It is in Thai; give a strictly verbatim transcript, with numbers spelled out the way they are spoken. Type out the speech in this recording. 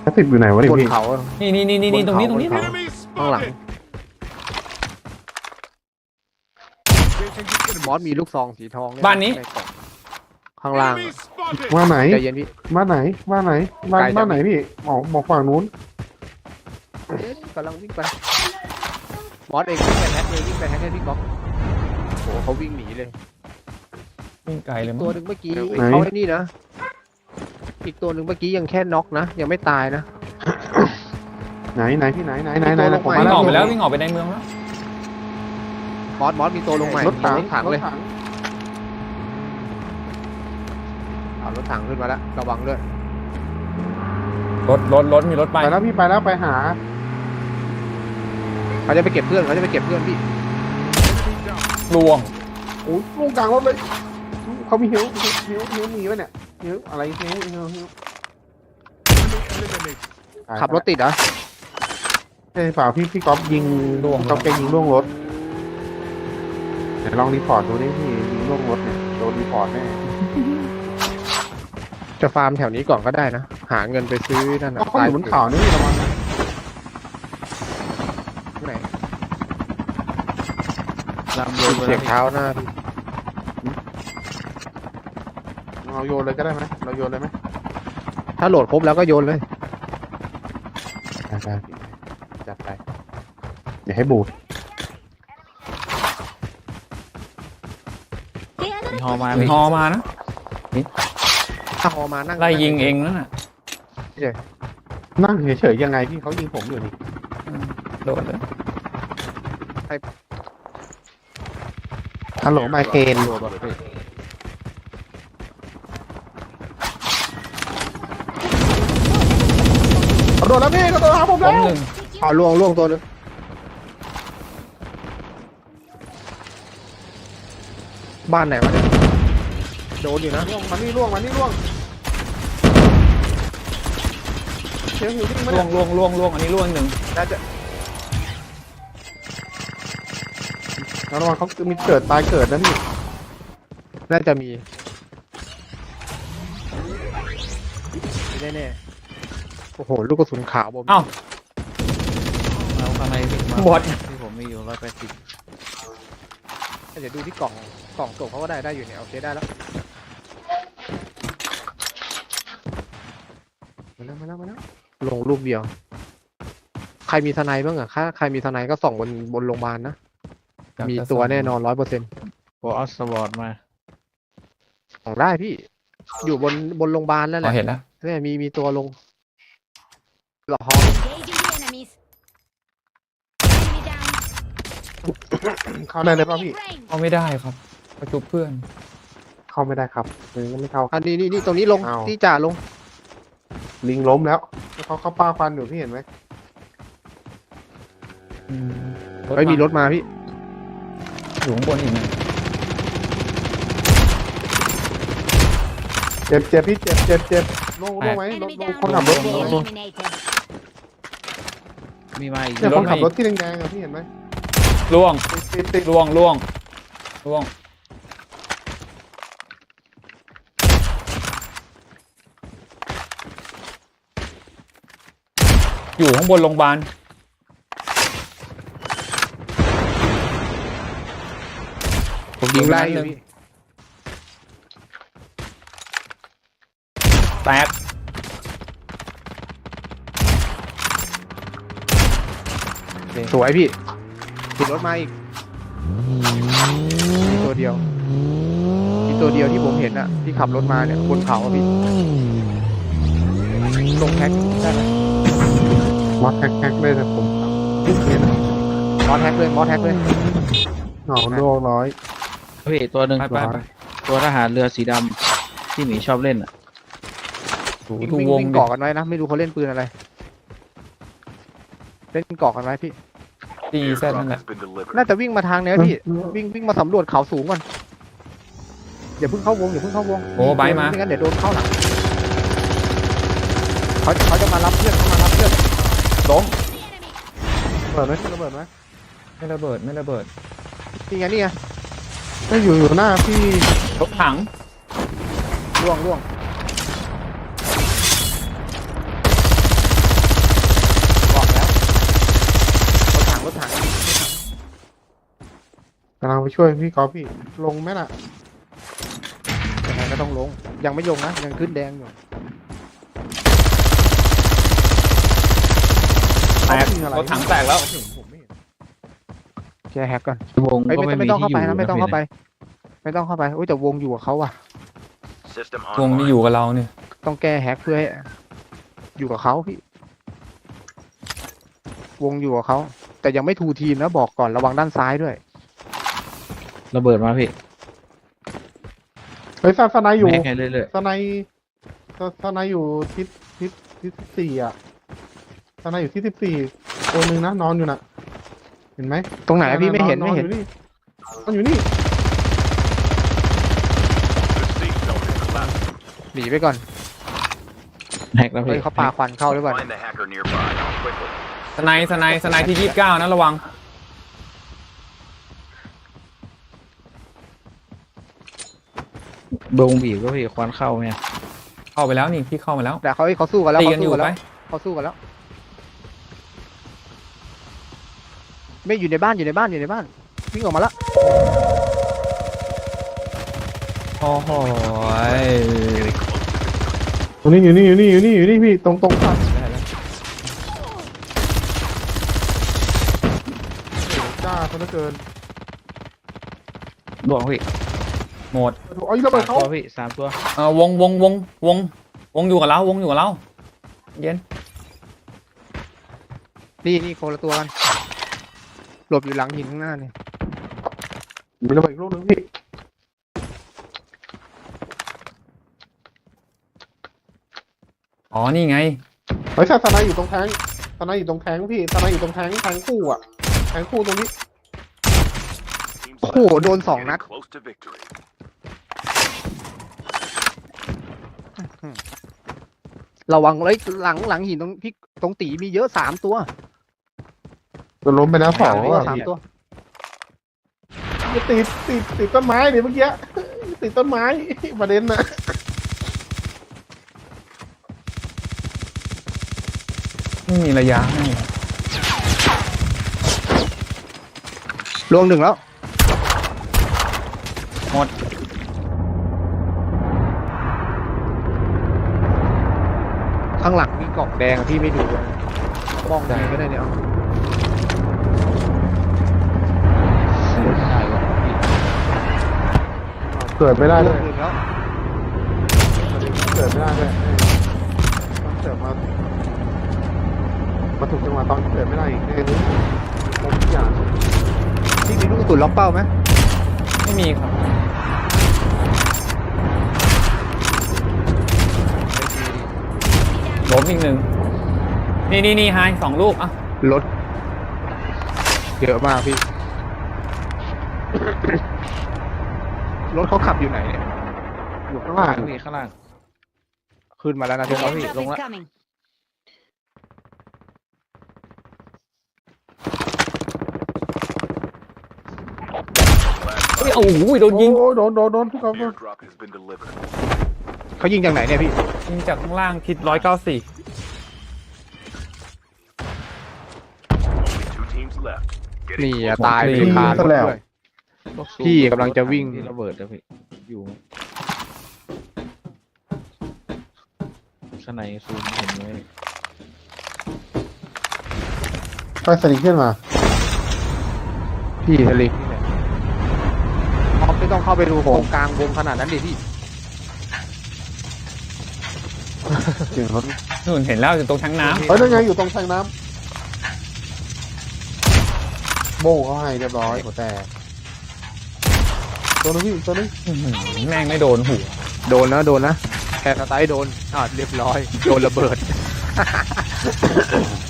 าติดอยู่ไหนวะเนี่ยบนพี่เขานี่นี่นี่นี่ตรงนี้ตรงนี้ข้างหลังมอสมีลูกซองสีทองเยบ้านนี้ใกล่องข้างล่างว่าไหนใจเย็นพี่บ้านไหนบ้านไหนบ้านไกลจังบ้านไหนพี่บอกบอกฝั่งนู้นเอ๊ะกำลังวิ่งไปมอสเองวิ่งไปแฮกเลยวิ่งไปแฮกให้พี่ก๊อฟโอ้โหเขาวิ่งหนีเลยวิ่งไกลเลยมั้ตัวงหนึ่งเมื่อกี้เขาไอ้นี่นะอีกตัวหนึ่งเมื่อกี้ยังแค่น็อกนะยังไม่ตายนะไหนไหนพี่ไหนไหนไหนไหนไหนผมวิ่มางออกไปแล้แล้ว ววิ่งออกไปในเมืองแล้วมอสมอสมีตัวลงใหม่รถถังรถถังเลยรถถังเอารถถังขึ้นมาแล้วระวังด้วยรถรถรถมีรถไปไปแล้วพี่ไปแล้วไปหาเขาจะไปเก็บเพื่อนเขาจะไปเก็บเพื่อนพี่ลวงโอ้ยลงกลางรถเลยเขามีหิวหิวหิวมีวะเนี่ยหิวอะไรหิวหิวหิวขับรถติดเหรอใช่เปล่าพี่พี่ก๊อฟยิงล่วงก๊อฟแกยิงล่วงรถเดี๋ยวลองรีพอร์ตดูดิพี่ยิงล่วงรถเนี่ยโดนรีพอร์ตแน่จะฟาร์มแถวนี้ก่อนก็ได้นะหาเงินไปซื้อนั่นนะเขาอยู่บนเขานี่ระวังนะที่ไหนลำโยนเสียงเท้าหน้าพี่เราโยนเลยก็ได้ไหมเราโยนเลยไหมถ้าโหลดครบแล้วก็โยนเลยได้ได้พี่จัดไปอย่าให้บูดมีฮอมามีมีฮอมานะถ้าฮอมานั่งไล่ยิงเองนั่นน่ะนั่งเฉยๆยังไงพี่เขายิงผมอยู่นี่โดดเลยฮัลโหลไมเคนตัวแบบนี้กระโดดแล้วพี่กระโดดหาผมล้แล้มวหนึ่งเอาล่วงล่วงตัวหนึงบ้านไหนวะเนี่ยโดนอยู่นะล่วงมานี่ล่วงมานี่ล่วงเชียวหิวจริงมาล่เนี่วย งล่วงล่วงล่วงอันนี้ล่วงหนึ่งน่าจะระวังเขามีเกิดตายเกิดนะพี่น่าจะมีแน่แน่ๆโอ้โหลูกกระสุนขาวบอมเอ้าเอาข้างในที่มาบอดที่ผมมีอยู่ร้อยแปดสิบเดี๋ยวดูที่กล่องกล่องส่งเขาก็ได้ได้อยู่เนี่ยโอเคได้แล้วมาแล้วมาแล้วมาแล้วลงรูปเดียว ใครมีทนายบ้างอะถ้าใครมีทนายก็ส่องบนบนโรงพยาบาลนะ มีตัวแน่นอนร้อยเปอร์เซ็นต์โอ้เอาสวอตมาส่องได้พี่ อยู่บนบนโรงพยาบาลแล้วแหอ๋อละเห็นแล้วเนี่ยมีมีตัวลงหลอ Engaging the enemies. Enemy down. เข้าได้เลยป่ะพี่ Range. เข้าไม่ได้ครับประจุเพื่อนเข้าไม่ได้ครับเลยก็ไม่เข้าอันนี้นี่นี่ตรงนี้ลงอ้าวที่จ่าลงลิงล้มแล้วเขาเขาป้าฟันอยู่พี่เห็นไหมอืมไม่มีรถมาพี่อยู่ข้างบนอีกนะเจ็บเจ็บพี่เจ็บเจ็บเจ็บลงลงไหมลง Enemy ลง down. คนขับรถลง Enemy ลง eliminated. มีมาอีกเนี่ยคนขับรถที่แดงๆอะพี่เห็นไหมล่วงติดติดติดล่วงล่วงล่วงอยู่ข้างบนโรงพยาบาลผมยิงไล่อยู่พี่แตกสวยพี่ติดรถมาอีกมีตัวเดียวมีตัวเดียวที่ผมเห็นอะที่ขับรถมาเนี่ยบนเขาอะพี่ลงแท็กได้ไหมมอสแฮกๆเลยแต่ผมเนี่ยนะมอสแท็กเลยมอสแท็กเลยหนองโลร้อยพี่ตัวหนึ่งไปไปไปตัวทหารเรือสีดำที่หมีชอบเล่นอ่ะถูวิ่งถูวิ่งวงวิ่งดิเกาะกันไว้นะไม่รู้เขาเล่นปืนอะไรเล่นเกาะกันไว้พี่ดีแซดนั่นแหละน่าจะวิ่งมาทางเนี้ยพี่วิ่งวิ่งมาสำรวจเขาสูงก่อนอย่าเพิ่งเข้าวงอย่าเพิ่งเข้าวงโอ้ไบค์มาไม่งั้นเดี๋ยวโดนเข้าหลังเขาเขาจะมารับเพื่อนเขามารับเพื่อนล้มเปิดไหมระเบิดไหมไม่ระเบิดไม่ระเบิดนี่ไงนี่ไงไม่อยู่อยู่หน้าพี่รถถังล่วงล่วงำลังไปช่วยพี่กอล์ฟพี่ลงไหมล่ะยังไงก็ต้องลง ยังไม่ลงนะยังขึ้นแดงอยู่แตกเขายิงอะไรรถถังแตกแล้วผมไม่เห็นแก้แฮกก่อนวงเอ้ยก็ไม่ไม่ต้องมีไม่ต้องที่เข้าอยู่ไปนะนะไม่ต้องเข้าไป ไม่ต้องเข้าไปอุ้ยแต่วงอยู่กับเขาอะ System วง online. นี่อยู่กับเราเนี่ยต้องแก้แฮกเพื่อให้อยู่กับเขาพี่ วงอยู่กับเขาแต่ยังไม่ทูทีมนะบอกก่อนระวังด้านซ้ายด้วยระเบิดมาพี่เฮ้ยซาสไนอยู่แม็กให้เรื่อยสไนสสไนอยู่ทิศทิศทิศสิบสี่อ่ะสไนอยู่ที่สิบสี่ตัวหนึ่งนะนอนอยู่น่ะ เห็นไหมตรงไหนอะพี่ไม่เห็นอไม่เห็นอยู่นี่นอนอยู่นี่ The safe zone is collapsing. หนีไปก่อนๆแฮกแล้วเฮ้พี่ยเขาปาควันเข้าหรือเปล่า Find the hacker nearby. Quickly. สไนด์สไนด์สไนด์ที่ยี่สิบเก้านะระวังวงบีบก็พี่ควันเข้าไงเข้าไปแล้วนี่พี่เข้ามาแล้วแต่เขาเฮ้ยเขาสู้กันแล้วตีเขากันอสู้ยู่กันไปแล้วเขาสู้กันแล้ว ไม่อยู่ในบ้านอยู่ในบ้านอยู่ในบ้านวิ่งออกมาแล้วโอ้โห Getting close to victory. ตรงนี้อยู่นี่อยู่นี่อยู่นี่อยู่นี่พี่ตรงตรงฝั่งจ้าซะเหลือเกินดวงพี่หมดเอาอีกระเบิสาดมเขาตัวพี่สามตัวเออวงวงวงวงวงอยู่กับเราวงอยู่กับเราเย็นนี่นี่คนละตัวกันหลบอยู่หลังหินข้างหน้าเนี่ยมีระเบิดอีกลูกหนึงพี่อ๋อนี่ไงเฮ้ยซาสไนอยู่ตรงแทงสไนอยู่ตรงแทงพี่สไนอยู่ตรงแทงแทงคู่อ่ะแทงคู่ตรงนี้ Team โอ้โห select. โดนสองนัด Getting close to victory. ระวังเลยหลังหลังหินตรงพี่ตรงตีมีเยอะสามตัวจะล้มไปแล้วสองมีเยอ่ะอะสามตัวจะติดติดติดต้นไม้ดิเมื่อกี้ติดต้นไม้ประเด็นน่ะไม่มีระยะให้ลวงหนึ่งแล้วหมดข้างหลังมีกล่องแดงอะพี่ไม่ดูเลยมองไหนก็ได้เนี่ยเอาไม่ได้วะพี่เกิดไม่ได้ลเลวงยหนึ่งแล้วเกิดไม่ได้เลยต้องเกิดมามาถูกจังหวะตอนเกิดไม่ได้อีกแน่เลยครบทุกอย่างพี่มีลูกกระสุนล็อกเป้าไหมไม่มีครับล้มอีกหนึ่งนี่นี่นี่ไฮสองลูกอ่ะรถเยอะมากพี่ รถเขาขับอยู่ไหนเนี่ยอยู่ข้างล่างพี่ข้างล่างขึ้นมาแล้วนะลพี่งเขาแล้วพี่ Airdrop ลง is แล้ว coming. เฮ้ยโอ้โหโดนยิงโอ้โดนโดนโดนทุกคน Airdrop has been delivered. เขายิงจากไหนเนี่ยพี่ยิงจากข้างล่างทิศร้อยเก้าสี่ Only two teams left. นี่ Getting อะ close. ตายเลยคารถด้วย พี่กำลังจะวิ่งที่ระเบิดแล้วพี่อยู่ข้างในซูมเห็นไหมไปสนิทขึ้นมาพี่ทะเลนี่แหละออฟไม่ต้องเข้าไปดูโถงกลางวงขนาดนั้นดิพี่เสียงรถนู่นเห็นแล้วอยู่ตรงทั้งน้เฮ้ยนั่นไงอยู่ตรงแทงน้ำโบ้เขาให้เรียบร้อยหัวแตกตัวนึงพี่ตัวนึงำอื้อหือแม่งไม่โดนหัวโดนนะโดนนะแค่สไตล์โดนอ่าเรียบร้อย โดนระเบิด